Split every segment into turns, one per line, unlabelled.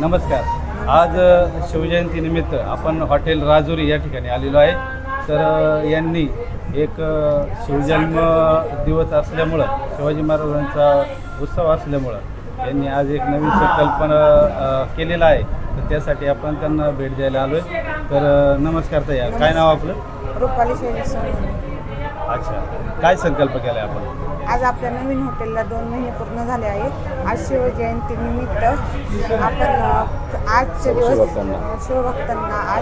नमस्कार। आज शिवजयंतीनिमित्त आपण हॉटेल राजुरी या ठिकाणी आलेलो आहे। तर यांनी एक शिवजन्म दिवस असल्यामुळं, शिवाजी महाराजांचा उत्सव असल्यामुळं यांनी आज एक नवीन संकल्पना केलेला आहे। तर त्यासाठी आपण त्यांना भेट द्यायला आलो आहे। तर नमस्कार ताई, काय नाव आपलं?
रुपाली शैलेश सोनवणे।
अच्छा, काय संकल्प केला आहे आपण?
आज आपल्या नवीन हॉटेलला 2 महिने पूर्ण झाले आहेत। आज शिवजयंतीनिमित्त आपण आजचे दिवस शिवभक्तांना आज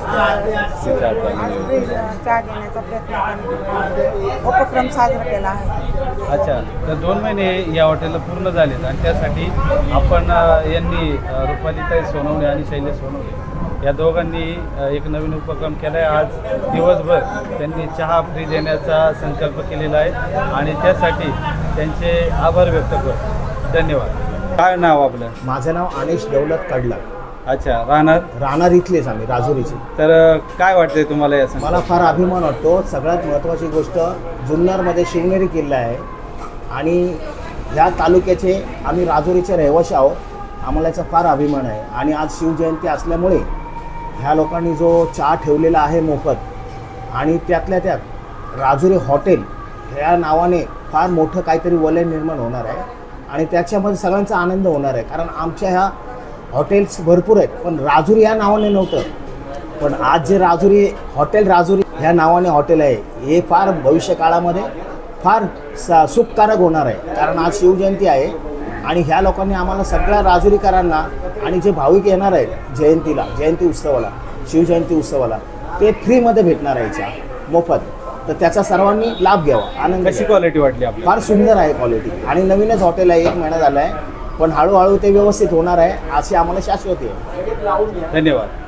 चहा देण्याचा प्रयत्न उपक्रम साजरा केला आहे।
अच्छा, तर 2 महिने या हॉटेलला पूर्ण झालेत आणि त्यासाठी आपण यांनी रुपालीताई सोनवणे आणि शैलेश सोनवणे या दोघांनी एक नवीन उपक्रम केला आहे। आज दिवसभर त्यांनी चहा फ्री देण्याचा संकल्प केलेला आहे आणि त्यासाठी त्यांचे आभार व्यक्त करतो। धन्यवाद। काय नाव आपलं?
माझं नाव अनिश दौलत कडला।
अच्छा, राहणार
इथलेच आम्ही, राजुरीचे।
तर काय वाटतंय तुम्हाला या
मला फार अभिमान वाटतो। सगळ्यात महत्त्वाची गोष्ट, जुन्नरमध्ये शिवनेरी किल्ला आहे आणि ह्या तालुक्याचे आम्ही राजुरीचे रहिवासी आहोत। आम्हाला याचा फार अभिमान आहे आणि आज शिवजयंती असल्यामुळे ह्या लोकांनी जो चहा ठेवलेला आहे मोफत, आणि त्यातल्या त्यात राजुरी हॉटेल ह्या नावाने फार मोठं काहीतरी वलय निर्माण होणार आहे आणि त्याच्यामध्ये सगळ्यांचा आनंद होणार आहे। कारण आमच्या ह्या हॉटेल्स भरपूर आहेत, पण राजुरी या नावाने नव्हतं। पण आज जे राजुरी ह्या नावाने हॉटेल आहे, हे फार भविष्य काळामध्ये फार सुखकारक होणार आहे। कारण आज शिवजयंती आहे आणि ह्या लोकांनी आम्हाला सगळ्या राजुरीकरांना आणि जे भाविक येणार आहेत जयंती उत्सवाला, शिवजयंती उत्सवाला, ते फ्रीमध्ये भेटणार आहे चहा मोफत। तर त्याचा सर्वांनी लाभ घ्यावा, आनंद।
कशी क्वालिटी वाटली आपल्याला?
फार सुंदर आहे क्वालिटी आणि नवीनच हॉटेल आहे, 1 महिना झाला आहे, पण हळूहळू ते व्यवस्थित होणार आहे अशी आम्हाला शाश्वती आहे।
धन्यवाद।